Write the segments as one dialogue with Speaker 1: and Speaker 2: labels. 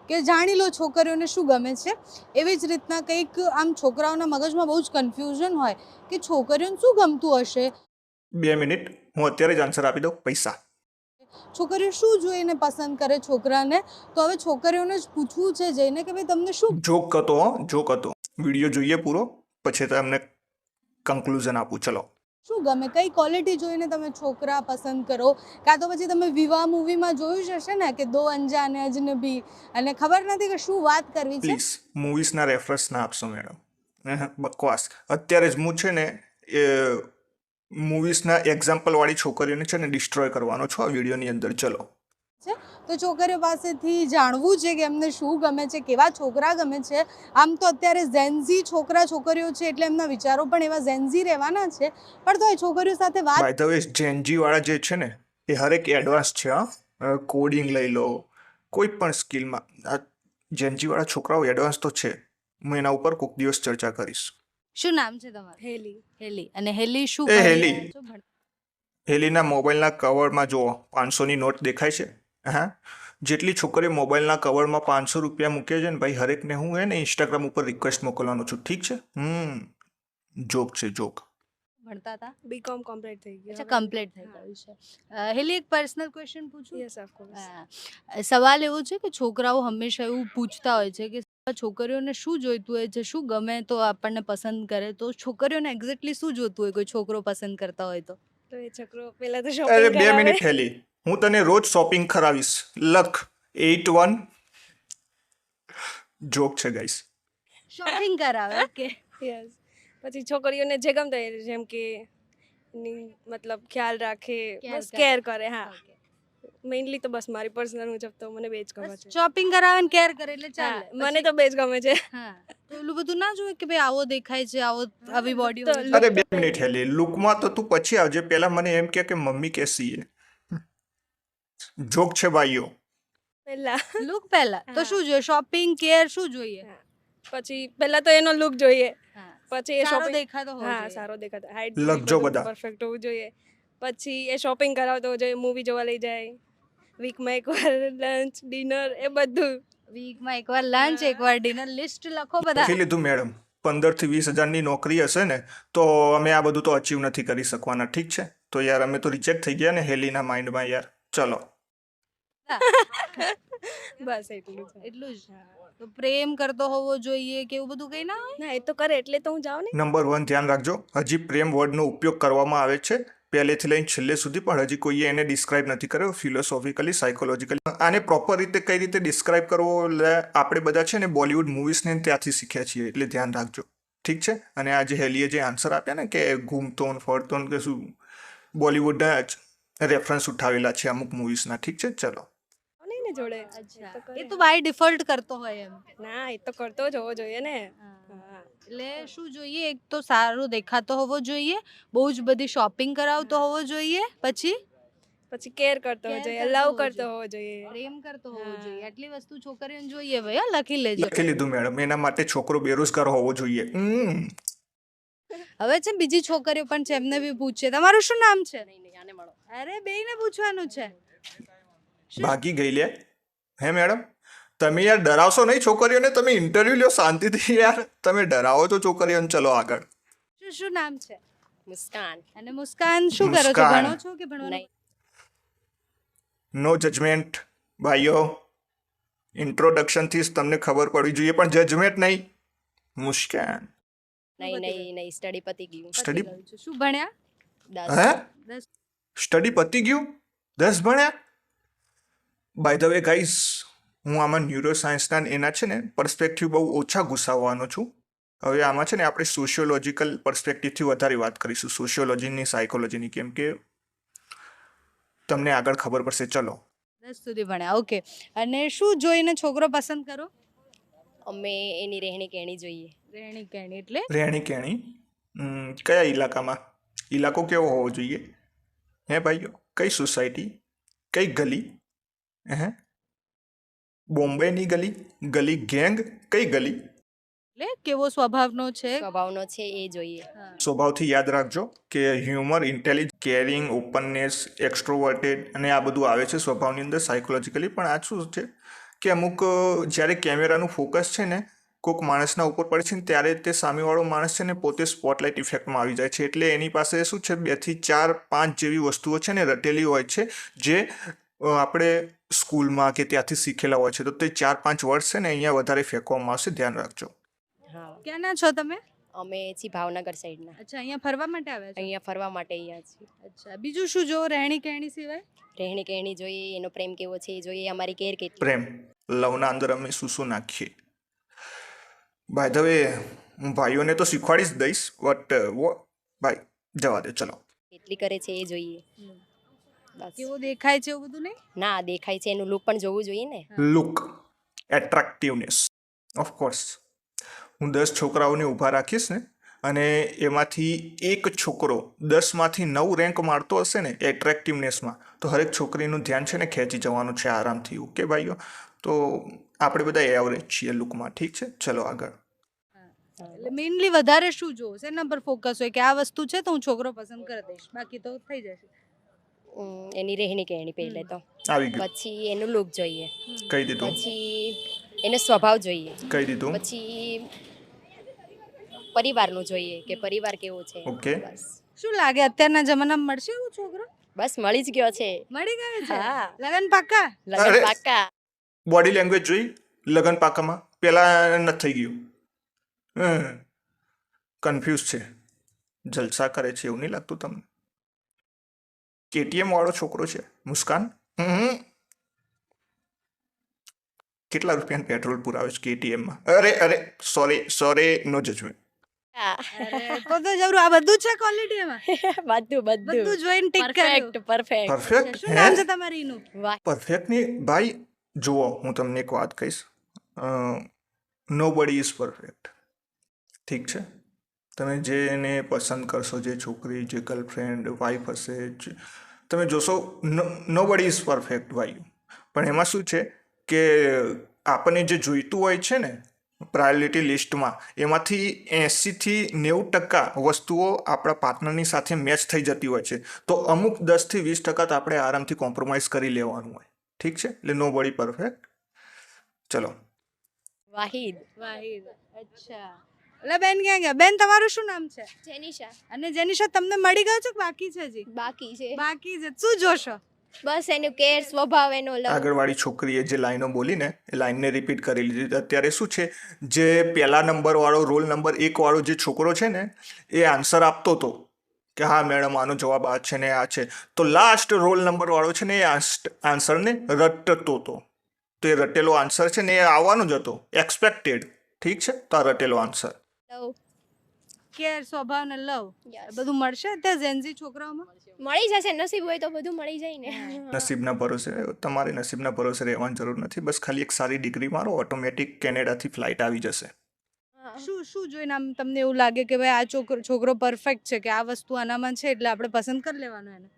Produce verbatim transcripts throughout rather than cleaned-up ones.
Speaker 1: કે જાણી લો છોકરીઓને શું ગમે છે. એવી જ રીતના કંઈક આમ છોકરાઓના મગજમાં બહુ જ કન્ફ્યુઝન હોય કે છોકરીઓને શું ગમતું હશે.
Speaker 2: બે મિનિટ, હું અત્યારે જ આન્સર આપી દઉં. પૈસા.
Speaker 1: છોકરીઓ શું જોઈને પસંદ કરે છોકરાને, તો હવે છોકરીઓને જ પૂછવું છે જઈને કે ભાઈ તમને શું
Speaker 2: જોક હતો, જોક હતો. વિડીયો જોઈએ પૂરો, પછી તમને કન્ક્લુઝન આપું. ચલો.
Speaker 1: શું ગમે, કઈ ક્વોલિટી જોઈને તમે છોકરા પસંદ કરો, કાં તો પછી તમે વિવાહ મૂવીમાં જોયું જ હશે ને કે દો અંજાને અજનબી, અને ખબર નથી કે શું વાત કરવી છે.
Speaker 2: પ્લીઝ મૂવીઝના રેફરન્સ ના આપશો મેડમ. બકવાસ. અત્યારે જ હું છે ને એ મૂવીઝના એક્ઝામ્પલવાળી છોકરીઓને છે ને ડિસ્ટ્રોય કરવાનો છો આ વિડીયોની અંદર. ચલો.
Speaker 1: છે તો છોકરીઓ પાસેથી જાણવું છે કે એમને શું ગમે છે, કેવા છોકરા ગમે છે. આમ તો અત્યારે ઝેન્ઝી છોકરા છોકરીઓ છે એટલે એમના વિચારો પણ એવા ઝેન્ઝી રહેવાના છે, પણ તો એ છોકરીઓ સાથે વાત
Speaker 2: બાય ધ વે, જેનજી વાળા જે છે ને એ હરેક એડવાન્સ છે. હા, કોડિંગ લઈ લો, કોઈ પણ સ્કિલમાં આ જેનજી વાળા છોકરાઓ એડવાન્સ તો છે. હું એના ઉપર કોઈક દિવસ ચર્ચા કરીશ.
Speaker 1: શું નામ છે તમારું?
Speaker 3: હેલી.
Speaker 1: હેલી. અને હેલી શું
Speaker 2: એ
Speaker 1: ભણી
Speaker 2: હેલી.
Speaker 1: રહ્યા છો? ભણ-
Speaker 2: હેલીના મોબાઈલના કવરમાં જુઓ, પાંચસોની નોટ દેખાય છે. હા, જેટલી છોકરીઓ મોબાઈલના કવરમાં પાંચસો રૂપિયા મૂકે છે ને ભાઈ, હરેકને હું હે ને ઇન્સ્ટાગ્રામ ઉપર રિક્વેસ્ટ મોકલવાનો છું. ઠીક છે? હમ જોક છે, જોક.
Speaker 1: ભણતા હતા?
Speaker 3: બીકોમ કમ્પ્લીટ થઈ ગયું.
Speaker 1: અચ્છા, કમ્પ્લીટ થઈ ગયું છે. અ, હેલી, એક પર્સનલ ક્વેશ્ચન પૂછું?
Speaker 3: Yes of course.
Speaker 1: હા. સવાલ એવો છે કે છોકરાઓ હંમેશા એવું પૂછતા હોય છે કે છોકરીઓને શું જોઈતું હોય છે, શું ગમે તો આપણને પસંદ કરે, તો છોકરીઓને એક્ઝેક્ટલી શું જોતું હોય કોઈ છોકરો પસંદ કરતા હોય તો?
Speaker 3: તો એ છોકરો પહેલા તો
Speaker 2: અરે
Speaker 3: શોપિંગ
Speaker 2: બે
Speaker 3: કરાવે.
Speaker 2: મિનિટ હેલી, હું તને રોજ શોપિંગ કરાવીશ. લખ એટ વન. જોક છે ગાઈસ.
Speaker 1: શોપિંગ કરાવે. ઓકે.
Speaker 3: યસ. પછી છોકરીઓને જે ગમતા હોય, જેમ કે એની મતલબ ખ્યાલ રાખે,
Speaker 1: Care
Speaker 3: બસ
Speaker 1: કરે.
Speaker 3: કેર કરે. હા,
Speaker 1: Okay.
Speaker 3: મેઇનલી તો બસ મારી પર્સનલ મુજબ તો મને બે જ ગમે છે.
Speaker 1: શોપિંગ કરાવે ને કેર કરે એટલે ચાલે.
Speaker 3: હા, મને તો બે જ ગમે છે.
Speaker 1: હા, તો એલું બધું ના જોઈએ કે ભાઈ આવો દેખાય છે, આવો આવી બોડી
Speaker 3: તો
Speaker 1: હોય
Speaker 3: look
Speaker 2: અરે બે
Speaker 3: તો
Speaker 2: મિનિટ હેલી, લુકમાં તો તું પછી આવજે. પહેલા મને એમ કે કે મમ્મી કેસી હે. જોક છે ભાઈઓ.
Speaker 3: પહેલા.
Speaker 1: લુક પહેલા તો
Speaker 3: હા.
Speaker 1: શું જોઈએ? શોપિંગ, કેર, શું જોઈએ?
Speaker 3: હા. પછી પહેલા તો એનો લુક જોઈએ.
Speaker 1: હા.
Speaker 3: પછી એ
Speaker 1: સારો
Speaker 3: શોપિંગ.
Speaker 1: દેખાતો હોવો
Speaker 3: હા,
Speaker 1: જોઈએ.
Speaker 3: સારો દેખાતો, હાઈટ
Speaker 2: લખજો
Speaker 3: બધું
Speaker 2: બધા.
Speaker 3: પરફેક્ટ હોવું જોઈએ. પછી એ શોપિંગ કરાવતો હોવો જોઈએ, મૂવી જોવા લઈ જાય, વીકમાં એકવાર લંચ, ડિનર, એ બધું.
Speaker 1: વીકમાં એકવાર લંચ, એકવાર ડિનર, લિસ્ટ લખો બધા.
Speaker 2: લખી લીધું મેડમ. પંદર થી વીસ હજારની નોકરી હશે ને તો અમે આ બધું તો અચીવ નથી કરી શકવાના. ઠીક છે? તો યાર અમે તો રિજેક્ટ થઈ ગયા ને હેલીના માઇન્ડમાં યાર. ચલો.
Speaker 3: બસ એટલું જ.
Speaker 1: એટલું જ. તો પ્રેમ કરતો હોવો જોઈએ કે એવું બધું કઈ ના હોય?
Speaker 3: ના, એ તો કરે એટલે તો હું જાઉં ને.
Speaker 2: નંબર વન ધ્યાન રાખજો, હજી પ્રેમ વર્ડનો ઉપયોગ કરવામાં આવે છે પહેલેથી લઈને છેલ્લે સુધી, પણ હજી કોઈએ એને ડિસ્ક્રાઇબ નથી કર્યો ફિલોસોફિકલી, સાયકોલોજીકલી. આને પ્રોપર રીતે કઈ રીતે ડિસ્ક્રાઇબ કરવો, એટલે આપણે બધા છે ને બોલિવૂડ મૂવીઝને ત્યાંથી શીખ્યા છીએ, એટલે ધ્યાન રાખજો. ઠીક છે? અને આજે હેલીએ જે આન્સર આપ્યા ને કે ઘૂમતો ને ફરતો ને કે શું, બોલિવૂડના જ રેફરન્સ ઉઠાવેલા છે અમુક મૂવીઝના. ઠીક છે? ચલો.
Speaker 3: નહીં ને જોડે.
Speaker 1: અચ્છા,
Speaker 3: એ તો કરે.
Speaker 1: એ તો બાય ડિફોલ્ટ કરતો હોય એમ.
Speaker 3: ના, એ તો કરતો જ હોવો જોઈએ ને.
Speaker 1: હા. એટલે શું જોઈએ? એક તો સારો દેખાતો હોવો જોઈએ, બહુ જ બધી શોપિંગ કરાવતો હોવો જોઈએ, પછી
Speaker 3: પછી કેર કરતો હોવો
Speaker 1: Care
Speaker 3: જોઈએ,
Speaker 1: કરતો
Speaker 3: લવ
Speaker 1: હોવો
Speaker 3: કરતો
Speaker 1: જોઈએ.
Speaker 3: હોવો જોઈએ.
Speaker 1: પ્રેમ કરતો હોવો
Speaker 3: હા.
Speaker 1: જોઈએ. આટલી વસ્તુ છોકરીઓને જોઈએ ભાઈ, હા, લખી લેજો.
Speaker 2: લખી લીધું મેડમ. એના માટે છોકરો બેરોજગાર હોવો જોઈએ. હમ
Speaker 1: હવે છે ને બીજી છોકરીઓ પણ છે, એમને બી પૂછીએ. તમારું શું નામ છે? અરે બેયને પૂછવાનું છે.
Speaker 2: ભાગી ગઈ લે. હે મેડમ, તમે યાર ડરાવશો નહીં છોકરીઓને. તમે ઇન્ટરવ્યુ લ્યો શાંતિથી યાર. તમે ડરાવો છો છોકરીઓને. ચલો આગળ.
Speaker 1: શું શું નામ છે?
Speaker 3: મુસ્કાન.
Speaker 1: અને મુસ્કાન શું કરો છો?
Speaker 2: મુસ્કાન.
Speaker 1: ભણો છો કે ભણવાનું?
Speaker 2: નો જજમેન્ટ ભાઈઓ. ઇન્ટ્રોડક્શનથી જ તમને ખબર પડવી જોઈએ, પણ જજમેન્ટ નહીં. મુસ્કાન.
Speaker 4: નહીં નહીં નહીં સ્ટડી પતી ગયું.
Speaker 1: પતી
Speaker 2: સ્ટડી
Speaker 1: ગયું છે. શું ભણ્યા?
Speaker 4: દસ.
Speaker 2: હે
Speaker 1: દસ.
Speaker 2: સ્ટડી પતી ગયું? દસ ભણ્યા? બાય ધ વે ગાઈઝ, હું આમાં ન્યુરો સાયન્સના એના છે ને પર્સપેક્ટિવ બહુ ઓછા ઘુસાવવાનો છું. હવે આમાં છે ને આપણે સોશિયોલોજીકલ પર્સપેક્ટિવથી વધારે વાત કરીશું, સોશિયોલોજીની, સાયકોલોજીની, કેમ કે તમને આગળ ખબર પડશે. ચલો.
Speaker 1: દસ સુધી ભણ્યા. ઓકે. અને શું જોઈને છોકરો પસંદ કરો?
Speaker 4: અમે એની રહેણી કહેણી જોઈએ.
Speaker 1: રહેણી કહેણી એટલે
Speaker 2: રહેણી કહેણી. હમ, કયા ઇલાકામાં? ઇલાકો કેવો હોવો જોઈએ? હે ભાઈઓ, કઈ સોસાયટી, કઈ ગલી? હે બોમ્બેની ગલી, ગલી ગેંગ, કઈ ગલી?
Speaker 1: એટલે કેવો સ્વભાવનો છે?
Speaker 4: સ્વભાવનો છે એ જોઈએ.
Speaker 1: હા.
Speaker 2: સ્વભાવથી યાદ રાખજો કે humour, intelligent, caring, openness, extroverted અને આ બધું આવે છે સ્વભાવની અંદર સાયકોલોજીકલી. પણ આ શું છે કે અમુક અ, જ્યારે કેમેરાનું ફોકસ છે ને કોઈક માણસના ઉપર પડે છે ને ત્યારે તે સામેવાળો માણસ છે ને પોતે સ્પોટલાઇટ ઇફેક્ટમાં આવી જાય છે, એટલે એની પાસે શું છે બેથી ચાર પાંચ જેવી વસ્તુઓ છે ને રટેલી હોય છે જે અ, આપણે સ્કૂલમાં કે ત્યાંથી શીખેલા હોય છે. તો તે ચાર પાંચ વર્ષ છે ને અહીંયા વધારે ફેંકવામાં આવશે, ધ્યાન રાખજો.
Speaker 4: હા
Speaker 1: ક્યાંના છો તમે?
Speaker 4: અમે છીએ ભાવનગર સાઈડના.
Speaker 1: અચ્છા, અહીંયા ફરવા માટે આવ્યા છો?
Speaker 4: અહીંયા ફરવા માટે અહીંયા છીએ.
Speaker 1: અચ્છા, બીજું શું જો રહેણી કહેણી સિવાય?
Speaker 4: રહેણી કહેણી જોઈએ, એનો પ્રેમ કેવો છે એ જોઈએ, અમારી કેર કેટલી.
Speaker 2: પ્રેમ લવના અંદર અમે શું શું નાખીએ. બાય ધ વે હું ભાઈઓને તો શીખવાડી જ દઈશ, બટ ભાઈ જવા દે, ચલો.
Speaker 4: કેટલી કરે છે એ જોઈએ. બસ.
Speaker 1: કેવો દેખાય છે એવું બધું નહીં?
Speaker 4: ના દેખાય છે એનું લુક પણ જોવું જોઈએ ને.
Speaker 2: Look, attractiveness, of course. હું દસ છોકરાઓને ઊભા રાખીશ ને અને એમાંથી એક છોકરો દસમાંથી નવ રેન્ક મારતો હશે ને એટ્રેક્ટિવનેસમાં, તો હરેક છોકરીનું ધ્યાન છે ને ખેંચી જવાનું છે આરામથી. ઓકે ભાઈઓ, તો આપણે બધા એવરેજ છીએ લુકમાં, ઠીક છે? ચલો આગળ.
Speaker 1: એટલે મેઇનલી વધારે શું જોવો, શેના પર ફોકસ હોય કે આ વસ્તુ છે તો હું છોકરો પસંદ કરી દઈશ, બાકી તો થઈ જશે?
Speaker 4: ઉમ, એની રહેણી કહેણી પહેલે તો,
Speaker 2: આવી ગયું,
Speaker 4: પછી એનું લુક જોઈએ,
Speaker 2: કહી દીધું,
Speaker 4: પછી એનો સ્વભાવ જોઈએ,
Speaker 2: કહી દીધું.
Speaker 4: પછી પરિવારનું જોઈએ કે પરિવાર કેવો છે.
Speaker 2: ઓકે.
Speaker 4: બસ
Speaker 1: શું લાગે અત્યારના જમાનામાં મળશે એવું છોકરો?
Speaker 4: બસ મળી જ ગયો છે.
Speaker 1: મળી ગયો છે?
Speaker 4: હા.
Speaker 1: લગન પાક્કા?
Speaker 4: લગન
Speaker 2: અરે.
Speaker 4: પાક્કા.
Speaker 2: બોડી લેંગ્વેજ જોઈ લગન પાકામાં, પેલા નથી થઈ ગયું. કન્ફ્યુઝ છે, જલસા કરે છે એવું નહીં લાગતું તમને? કેટીએમ વાળો છોકરો છે મુસ્કાન. હમ કેટલા રૂપિયાનું પેટ્રોલ પુરાવે છે કેટીએમમાં? અરે અરે સોરી સોરી, નો જજમેન્ટ.
Speaker 4: હા.
Speaker 1: અરે તો તો જબરું, આ બધું જ છે ક્વોલિટી એમાં?
Speaker 4: બધું બધું
Speaker 1: બધું જોઈને ટિક કર્યું.
Speaker 4: Perfect perfect.
Speaker 2: પરફેક્ટ
Speaker 1: શું
Speaker 2: હે?
Speaker 1: નામ છે તમારી એનું?
Speaker 4: વાહ.
Speaker 2: પરફેક્ટ ની ભાઈ, જુઓ હું તમને એક વાત કહીશ, નો બડી ઇઝ પરફેક્ટ, ઠીક છે? તમે જેને પસંદ કરશો, જે છોકરી, જે ગર્લફ્રેન્ડ, વાઈફ હશે, જે- તમે જોશો નો બડી ઇઝ પરફેક્ટ ભાઈ. પણ એમાં શું છે કે આપણને જે જોઈતું હોય છે ને પ્રાયોરિટી લિસ્ટમાં, એમાંથી એંસીથી નેવું ટકા વસ્તુઓ આપણા પાર્ટનરની સાથે મેચ થઈ જતી હોય છે, તો અમુક દસથી વીસ ટકા તો આપણે આરામથી કોમ્પ્રોમાઇઝ કરી લેવાનું હોય, ઠીક છે? એટલે નો બડી પરફેક્ટ. ચલો.
Speaker 4: વાહિદ.
Speaker 1: વાહિદ. અચ્છા, એટલે બેન ક્યાં ગયા? બેન તમારું શું નામ છે?
Speaker 5: જેનિશા
Speaker 1: અને જેનિશા તમને મળી ગયો છે કે બાકી છે હજી?
Speaker 5: બાકી છે.
Speaker 1: બાકી છે. શું જોશો?
Speaker 5: બસ એનું કેર, સ્વભાવ, એનો લવ.
Speaker 2: આગળવાળી છોકરીએ જે લાઈનો બોલીને એ લાઈનને રિપીટ કરી લીધી. અત્યારે શું છે, જે પહેલા નંબરવાળો, રોલ નંબર એક વાળો જે છોકરો છે ને, એ આન્સર આપતો હતો કે હા મેડમ આનો જવાબ આ છે ને આ છે, તો લાસ્ટ રોલ નંબર વાળો છે ને એ આન્સરને રટતો હતો. તો એ રટેલો આન્સર છે ને એ આવવાનો જ હતો, એક્સપેક્ટેડ, ઠીક છે? તો આ રટેલો આન્સર.
Speaker 5: લવ.
Speaker 1: કેર, સ્વભાવ ને લવ
Speaker 5: Yes.
Speaker 1: બધું મળશે અત્યારે ઝેન્ઝી છોકરાઓમાં?
Speaker 5: મળી જશે, નસીબ હોય તો બધું મળી જાય ને.
Speaker 2: નસીબના ભરોસે, તમારે નસીબના ભરોસે રહેવાની જરૂર નથી. બસ ખાલી એક સારી ડિગ્રી મારો, ઓટોમેટિક કેનેડાથી ફ્લાઇટ આવી જશે.
Speaker 5: હા.
Speaker 1: શું શું જોઈને આમ તમને એવું લાગે કે ભાઈ આ છોકરો છોકરો પરફેક્ટ છે, કે આ વસ્તુ આનામાં છે એટલે આપણે પસંદ કરી લેવાનું એને?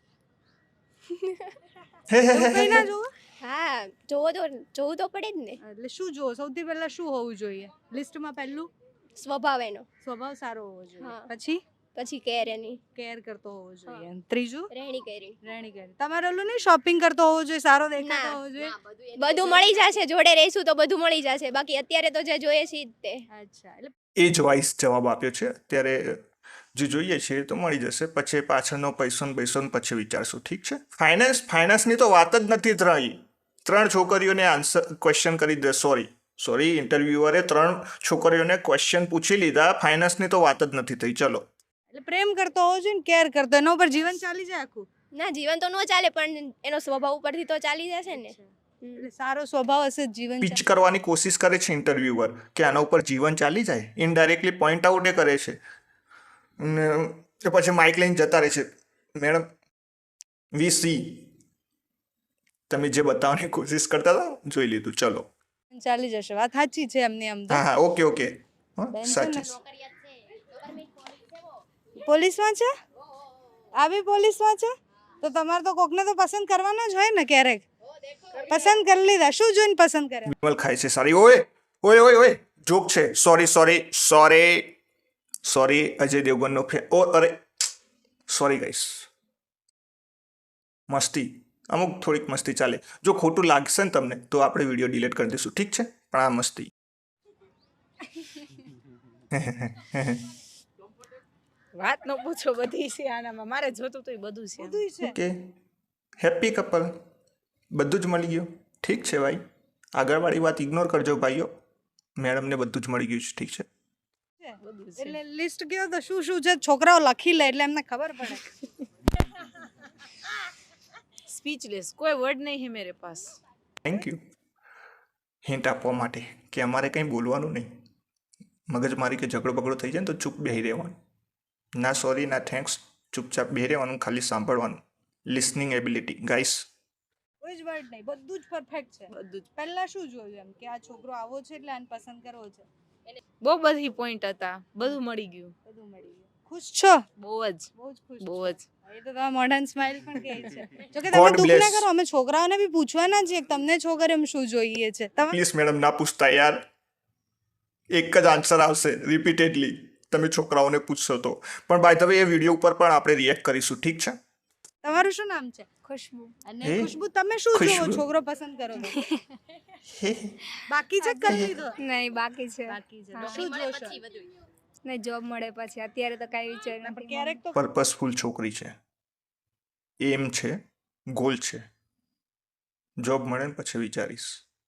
Speaker 1: એવું કંઈ ના જોવો?
Speaker 5: હા, જોવો તો જોવું તો પડે જ ને.
Speaker 1: એટલે શું જોવો? સૌથી પહેલા શું હોવું જોઈએ લિસ્ટમાં? પહેલું
Speaker 5: સ્વભાવ એનો,
Speaker 1: સ્વભાવ સારો હોવો જોઈએ,
Speaker 5: હા.
Speaker 1: પછી
Speaker 5: પછી કેર એની,
Speaker 1: કેર કરતો હોવો જોઈએ, અને ત્રીજું
Speaker 5: રહેણી કહેણી.
Speaker 1: રહેણી કહેણી. તમારે ઓલું નહીં શોપિંગ કરતો હોવો જોઈએ, સારો દેખાતો
Speaker 5: ના.
Speaker 1: હોવો જોઈએ?
Speaker 5: બધું મળી જશે, જોડે રહીશું તો બધું મળી જશે. બાકી અત્યારે તો જે જોઈએ છે ઈ જ તે.
Speaker 1: અચ્છા, એટલે
Speaker 2: એ જ વાઇસ જવાબ આપ્યો છે. અત્યારે જે જોઈએ છે એ તો મળી જશે, પછી પાછળનો પૈસો ને પૈસો ને પછી વિચારશું, ઠીક છે? ફાઇનાન્સ ફાઇનાન્સની તો વાત જ નથી રહી. ત્રણ છોકરીઓને આન્સર ક્વેશ્ચન કરી દે, સોરી સોરી ઇન્ટરવ્યુઅરે ત્રણ છોકરીઓને ક્વેશ્ચન પૂછી લીધા, ફાઇનાન્સની તો વાત જ નથી થઈ. ચલો.
Speaker 1: એટલે પ્રેમ કરતો હોવો જોઈએ ને કેર કરતો, એના ઉપર જીવન ચાલી જાય આખું?
Speaker 5: ના, જીવન તો ન ચાલે, પણ એનો સ્વભાવ ઉપરથી તો ચાલી જશે ને. હમ.
Speaker 1: એટલે સારો સ્વભાવ હશે જ જીવન
Speaker 2: પીચ કરવાની કોશિશ કરે છે ઇન્ટરવ્યુઅર કે આના ઉપર જીવન ચાલી જાય, ઇનડાયરેક્ટલી પોઈન્ટ આઉટ એ કરે છે. ને એ પછી માઇક લઈને જતા રહે છે, મેડમ વી સી, તમે જે બતાવવાની કોશિશ કરતા હતા જોઈ લીધું. ચલો.
Speaker 1: ચાલી ચાલી જશે. વાત સાચી છે એમની આમ તો.
Speaker 2: હા હા, ઓકે ઓકે, હા
Speaker 1: બેન છે ને?
Speaker 2: સાચી.
Speaker 1: પોલીસમાં છે? આવી પોલીસમાં છે? તો તમારે તો કોકને તો પસંદ કરવાના જ હોય ને ક્યારેક. પસંદ કરી લીધા, શું જોઈને પસંદ કર્યા?
Speaker 2: વિમલ ખાય છે સારી. ઓય ઓય ઓય ઓય, જોક છે, sorry sorry sorry sorry Ajay દેવગનનો ફે ઓ અરે સોરી ગાઈસ, મસ્તી અમુક થોડીક મસ્તી ચાલે. જો ખોટું લાગશે ને તમને તો આપણે વિડીયો ડિલીટ કરી દઈશું, ઠીક છે? પણ આ મસ્તી.
Speaker 6: વાત ન પૂછો, બધી છે આનામાં. મારે જોતું તો બધું છે.
Speaker 1: બધું છે.
Speaker 2: ઓકે, હેપી કપલ, બધું જ મળી ગયું. ઠીક છે ભાઈ, આગળવાળી વાત ઇગ્નોર કરજો ભાઈઓ. મેડમને બધું જ મળી ગયું છે, ઠીક છે?
Speaker 1: એટલે લિસ્ટ કયો તો શું શું છે, છોકરાઓ લખી લે એટલે એમને ખબર પડે.
Speaker 6: સ્પીચલેસ, કોઈ વર્ડ નહીં હે મેરે પાસ.
Speaker 2: થેન્ક યુ હિન્ટ આપવા માટે કે અમારે કંઈ બોલવાનું નહીં. મગજમારી કે ઝઘડો બગડો થઈ જાય ને તો ચૂપ બેહી રહેવાનું. ના સોરી ના થેન્ક્સ, ચૂપચાપ બેહી રહેવાનું, ખાલી સાંભળવાનું. Listening ability guys.
Speaker 1: કોઈ જ વર્ડ નહીં, બધું જ પરફેક્ટ છે.
Speaker 6: બધું જ.
Speaker 1: પહેલા શું જોયું એમ કે આ છોકરો આવો છે એટલે આને પસંદ કરવો છે?
Speaker 6: બહુ બધી પોઈન્ટ હતા, બધું મળી ગયું.
Speaker 1: બધું મળી ગયું. ખુશ છો?
Speaker 6: બહુ જ
Speaker 1: બહુ જ ખુશ
Speaker 6: બહુ
Speaker 1: છો.
Speaker 6: જ.
Speaker 1: એ તો તમે મોઢાની સ્માઈલ પણ કહે છે. જો કે તમે
Speaker 2: God
Speaker 1: દુઃખ ના
Speaker 2: bless.
Speaker 1: કરો, અમે છોકરાઓને બી પૂછવાના છીએ કે તમને છોકરીઓમાં શું જોઈએ છે. તમે
Speaker 2: પ્લીઝ મેડમ ના પૂછતા યાર. એક જ આન્સર આવશે રિપીટેડલી. તમે છોકરાઓને પૂછશો તો. પણ બાય ધ વે એ વિડીયો ઉપર પણ આપણે રિએક્ટ કરીશું, ઠીક છે?
Speaker 1: તમારું શું નામ છે?
Speaker 5: ખુશ્બુ.
Speaker 1: અને
Speaker 2: હે?
Speaker 1: ખુશ્બુ તમે શું જોવો
Speaker 2: ખુશ્બુ.
Speaker 1: છોકરો પસંદ કરો તો? બાકી છે કરી લીધો?
Speaker 5: નહીં બાકી છે.
Speaker 1: બાકી છે તો શું જોશો?
Speaker 5: નહીં જોબ મળે પછી, અત્યારે તો કાંઈ વિચાર
Speaker 1: પણ
Speaker 5: નથી.
Speaker 1: ક્યારેક તો
Speaker 2: પર્પસફુલ છોકરી છે, એમ છે, ગોલ છે. જોબ મળે ને પછી વિચારીશ.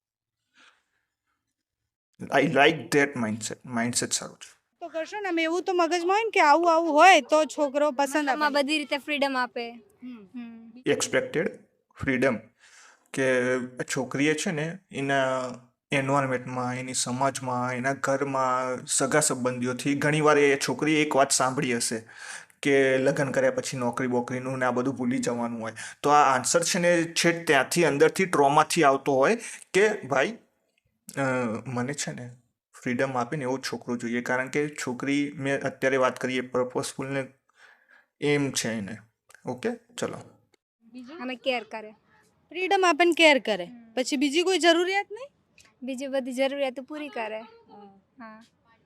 Speaker 2: I like that mindset. Mindset સારું છે.
Speaker 1: તો કરશો ને. આમ એવું તો મગજમાં હોય ને કે આવું આવું હોય તો છોકરો પસંદ
Speaker 5: આમાં
Speaker 1: આપે.
Speaker 5: બધી રીતે ફ્રીડમ આપે.
Speaker 1: હમ.
Speaker 5: હમ.
Speaker 2: એક્સપેક્ટેડ ફ્રીડમ કે છોકરીએ છે ને એના એન્વાયરમેન્ટમાં, એની સમાજમાં, એના ઘરમાં, સગા સંબંધીઓથી ઘણીવાર એ છોકરીએ એક વાત સાંભળી હશે કે લગ્ન કર્યા પછી નોકરી બોકરીનું ને આ બધું ભૂલી જવાનું હોય. તો આ આન્સર છે ને છેક ત્યાંથી અંદરથી ટ્રોમાથી આવતો હોય કે ભાઈ અ, મને છે ને ફ્રીડમ આપીને એવો છોકરો જોઈએ. કારણ કે છોકરી, મેં અત્યારે વાત કરીએ પર્પસફુલને એમ છે એને. ઓકે ચલો.
Speaker 1: બીજું
Speaker 5: અમે કેર કરે.
Speaker 1: ફ્રીડમ આપે ને કેર કરે, પછી બીજી કોઈ જરૂરિયાત નહીં.
Speaker 5: બીજી બધી જરૂરિયાતો પૂરી કરે. હા,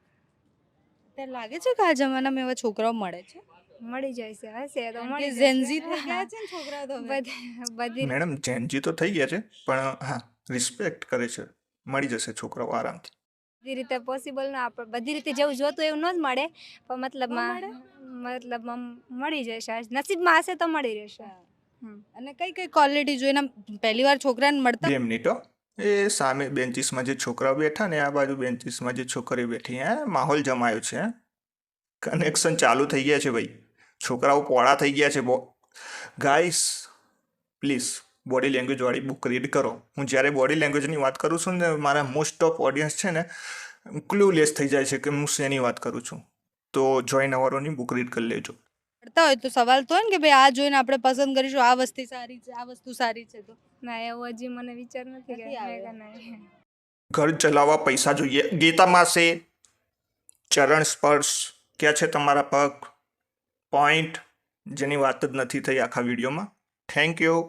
Speaker 1: ત્યારે લાગે છે કે આ જમાનામાં એવા છોકરાઓ મળે છે?
Speaker 5: મળી જાય છે. હશે તો મળી
Speaker 1: કે
Speaker 5: જશે.
Speaker 1: ઝેનઝી થઈ ગયા છે ને છોકરાઓ તો હવે.
Speaker 5: બધી બધી
Speaker 2: મેડમ જેનજી તો થઈ ગયા છે પણ હા રિસ્પેક્ટ કરે છે. મળી જશે છોકરાઓ આરામથી.
Speaker 5: બધી રીતે પોસિબલ ના આપણે બધી રીતે જેવું જોતું એવું ન જ મળે, પણ મતલબમાં મતલબમાં મળી જશે. નસીબમાં હશે તો મળી રહેશે. હમ.
Speaker 1: અને કઈ કઈ ક્વોલિટી જોઈને આમ પહેલી વાર છોકરાને મળતા
Speaker 2: બે મિનિટ હો. એ સામે બેન્ચીસમાં જે છોકરાઓ બેઠા ને આ બાજુ બેન્ચીસમાં જે છોકરીઓ બેઠી, હે માહોલ જમાયો છે. કનેક્શન ચાલુ થઈ ગયા છે ભાઈ. છોકરાઓ પોળા થઈ ગયા છે. બો ગાઈસ પ્લીઝ બોડી લેંગ્વેજ વાળી બુક રીડ કરો. હું જ્યારે બોડી લેંગ્વેજની વાત કરું છું ને મારા મોસ્ટ ઓફ ઓડિયન્સ છે ને ક્લુલેસ થઈ જાય છે કે હું શેની વાત કરું છું. તો જોઈન અવરોની બુક રીડ કરી લેજો.
Speaker 1: કરતા હોય તો સવાલ તો હોય ને કે ભાઈ આ જોઈને આપણે પસંદ કરીશું, આ વસ્તુ સારી છે, આ વસ્તુ સારી છે. તો
Speaker 5: ના એવું હજી મને વિચાર નથી કે
Speaker 1: નથી આવ્યો.
Speaker 5: મેં કે નહીં.
Speaker 2: ઘર ચલાવવા પૈસા જોઈએ. ગીતામાં છે ચરણ સ્પર્શ, ક્યાં છે તમારા પગ, પોઈન્ટ, જેની વાત જ નથી થઈ આખા વિડીયોમાં. Thank you.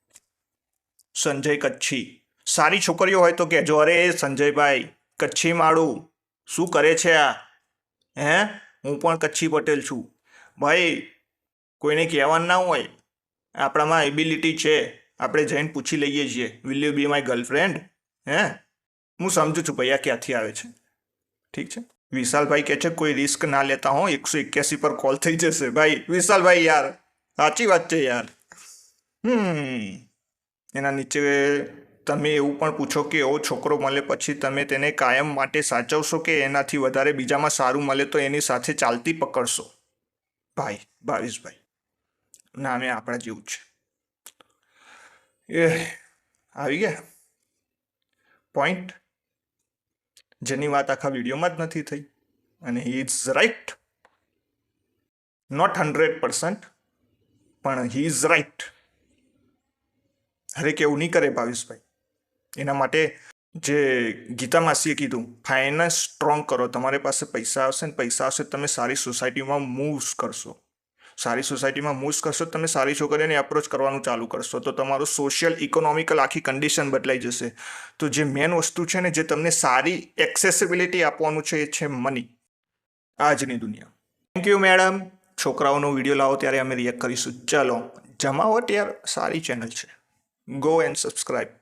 Speaker 2: સંજય કચ્છી. સારી છોકરીઓ હોય તો કહેજો. અરે સંજયભાઈ કચ્છી માળું શું કરે છે આ? હે હું પણ કચ્છી પટેલ છું ભાઈ. કોઈને કહેવાનું ના હોય, આપણામાં એબિલિટી છે, આપણે જઈને પૂછી લઈએ છીએ will you be my girlfriend. હે હું સમજુ છું ભાઈ આ ક્યાંથી આવે છે. ઠીક છે. વિશાલભાઈ કહે છે કોઈ રિસ્ક ના લેતા હો, એકસો એક્યાસી પર કોલ થઈ જશે. ભાઈ વિશાલભાઈ યાર સાચી વાત છે યાર. હમ એના નીચે તમે એવું પણ પૂછો કે એવો છોકરો મળે પછી તમે તેને કાયમ માટે સાચવશો કે એનાથી વધારે બીજામાં સારું મળે તો એની સાથે ચાલતી પકડશો? ભાઈ ભાવેશભાઈ નામે આપણા જેવું છે. એ આવી ગયા પોઈન્ટ જેની વાત આખા વિડીયોમાં જ નથી થઈ. અને he is right. Not hundred percent પણ હી ઇઝ રાઈટ. હરેક એવું નહીં કરે ભાવેશભાઈ. એના માટે જે ગીતા માસીએ કીધું ફાઇનાન્સ સ્ટ્રોંગ કરો. તમારી પાસે પૈસા આવશે ને પૈસા આવશે તમે સારી સોસાયટીમાં મૂવ્સ કરશો. સારી સોસાયટીમાં મૂવ્સ કરશો તમે સારી છોકરીઓને એપ્રોચ કરવાનું ચાલુ કરશો તો તમારું સોશિયલ ઇકોનોમિકલ આખી કન્ડિશન બદલાઈ જશે. તો જે મેન વસ્તુ છે ને જે તમને સારી એક્સેસિબિલિટી આપવાનું છે એ છે મની આજની દુનિયા. Thank you madam. છોકરાઓનો વિડીયો લાવો ત્યારે અમે રિએક્ટ કરીશું. ચલો જમાવટ યાર સારી ચેનલ છે. Go and subscribe.